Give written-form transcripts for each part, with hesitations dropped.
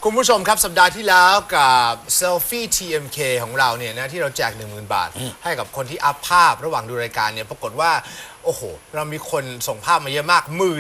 คุณผู้ชมครับสัปดาห์ที่แล้วกับเซลฟี่ TMK ของเราเนี่ยนะที่เราแจก 10,000 บาท ให้กับคนที่อัพภาพระหว่างดูรายการเนี่ยปรากฏว่าโอ้โหเรามีคนส่งภาพมาเยอะมาก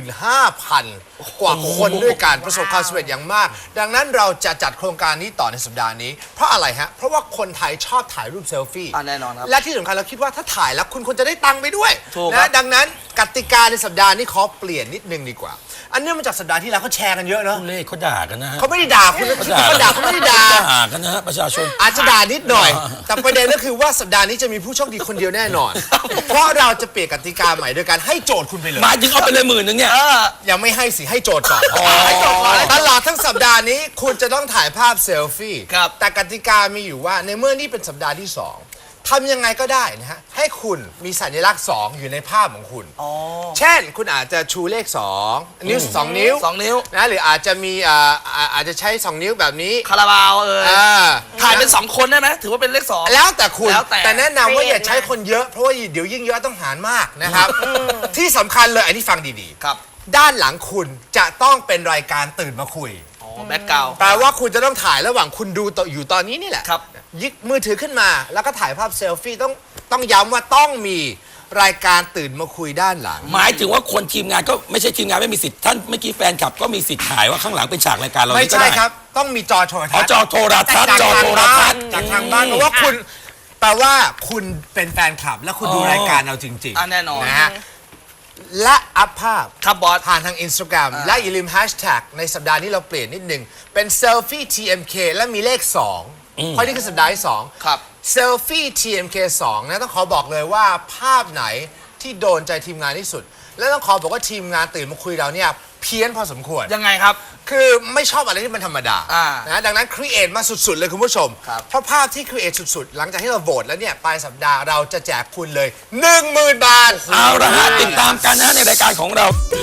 15,000 กว่าคนด้วยกันประสบความสำเร็จอย่างมาก ดังนั้นเราจะจัดโครงการนี้ต่อในสัปดาห์นี้เพราะอะไรฮะเพราะว่าคนไทยชอบถ่ายรูปเซลฟี่แน่นอนครับและที่สำคัญเราคิดว่าถ้าถ่ายแล้วคุณควรจะได้ตังค์ไปด้วยถูกครันะบดังนั้นกติกาในสัปดาห์นี้ขอเปลี่ยนนิดนึงดีกว่า อันเนื่องมาจากสัปดาห์ที่แล้วเขาแชร์กันเยอะเนอะเล่เขาด่ากันนะฮะเขาไม่ได้ด่าคุณเขาด่าเขาไม่ได้ด่าด่ากันนะฮะประชาชนอาจจะด่านิดหน่อย แต่ประเด็นก็คือว่าสัปดาห์นี้จะมีผู้โชคดีคนเดียวแน่นอน เพราะเราจะเปลี่ยนกติกาใหม่โดยการให้โจทย์คุณไปเลยหมายถึงเอาไปเลย10,000เนี่ยยังไม่ให้สิให้โจทย์ก่อนให้โจทย์ก่อนตลอดทั้งสัปดาห์นี้คุณจะต้องถ่ายภาพเซลฟี่ครับแต่กติกามีอยู่ว่าในเมื่อนี่เป็นสัปดาห์ที่สองทำยังไงก็ได้นะฮะให้คุณมีสัญลักษณ์2อยู่ในภาพของคุณ เช่นคุณอาจจะชูเลข2นิ้ว2 นิ้ว 2 นิ้วนะหรืออาจจะมีอาจจะใช้2 นิ้วแบบนี้คาราบาวอ่าถ่ายเป็น 2 คนได้ไหมถือว่าเป็นเลข 2 แล้วแต่คุณแล้วแต่แนะนำว่าอย่าใช้คนเยอะเพราะว่าเดี๋ยวยิ่งเยอะต้องหารมากนะครับ ที่สำคัญเลยอันนี้ฟังดีครับๆ ด้านหลังคุณจะต้องเป็นรายการตื่นมาคุยแบ็คกราวด์แปลว่าคุณจะต้องถ่ายระหว่างคุณดูต่ออยู่ตอนนี้นี่แหละครับยิกมือถือขึ้นมา แล้วก็ถ่ายภาพเซลฟี่ต้องย้ำว่าต้องมีรายการตื่นมาคุยด้านหลังหมายถึงว่าคนทีมงานก็ไม่ใช่ทีมงานไม่มีสิทธิ์ท่านเมื่อกี้แฟนคลับก็มีสิทธิ์ถ่ายว่าข้างหลังเป็นฉากรายการเราไม่นี่ก็ใช่ได้ครับ ต้องมีจอโทรทัอ๋อศน์จอโทรทัศน์จอโทรทัศน์จากทางบ้านเพราะว่าคุณแปลว่าคุณเป็นแฟนคลับ และคุณดูรายการเราจริงแน่นอนนะฮะและอัพภาพครับบอสผ่านทาง Instagram และอย่าลืมแฮชแท็กในสัปดาห์นี้เราเปลี่ยนนิดนึงเป็นเซลฟี่ TMK และมีเลข 2 เพราะนี่คือสัปดาห์ที่ 2 ครับเซลฟี่ TMK 2นะต้องขอบอกเลยว่าภาพไหนที่โดนใจทีมงานที่สุด และต้องขอบอกว่าทีมงานตื่นมาคุยเราเนี่ยเพี้ยนพอสมควรยังไงครับคือไม่ชอบอะไรที่มันธรรมดาอ่านะดังนั้นครีเอทมาสุด ๆ เลยคุณผู้ชมครับเพราะภาพที่ครีเอทสุด ๆ หลังจากที่เราโหวตแล้วเนี่ยปลายสัปดาห์เราจะแจกคุณเลย 10,000 บาทเอาละฮะติดตามกันนะฮะในรายการของเรา